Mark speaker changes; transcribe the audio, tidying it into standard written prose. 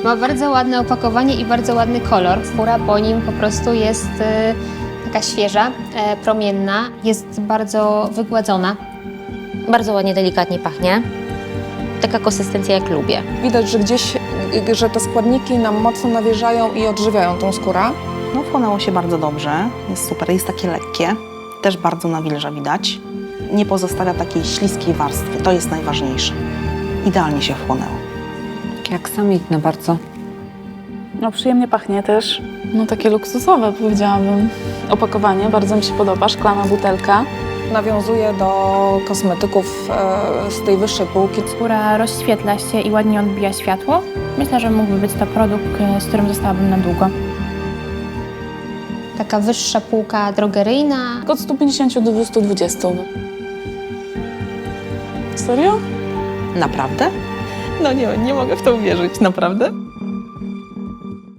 Speaker 1: Ma bardzo ładne opakowanie i bardzo ładny kolor. Skóra po nim po prostu jest taka świeża, promienna, jest bardzo wygładzona.
Speaker 2: Bardzo ładnie, delikatnie pachnie. Taka konsystencja, jak lubię.
Speaker 3: Widać, że gdzieś, że te składniki nam mocno nawilżają i odżywiają tą skórę.
Speaker 4: No, wchłonęło się bardzo dobrze, jest super, jest takie lekkie, też bardzo nawilża widać. Nie pozostawia takiej śliskiej warstwy, to jest najważniejsze. Idealnie się wchłonęło.
Speaker 5: Takie aksamitne bardzo.
Speaker 6: No przyjemnie pachnie też. No takie luksusowe, powiedziałabym. Opakowanie bardzo mi się podoba, szklana butelka.
Speaker 3: Nawiązuje do kosmetyków z tej wyższej półki.
Speaker 7: Skóra rozświetla się i ładnie odbija światło. Myślę, że mógłby być to produkt, z którym zostałabym na długo.
Speaker 1: Taka wyższa półka drogeryjna.
Speaker 6: Od 150 do 220. Serio?
Speaker 4: Naprawdę?
Speaker 3: No nie mogę w to uwierzyć, naprawdę.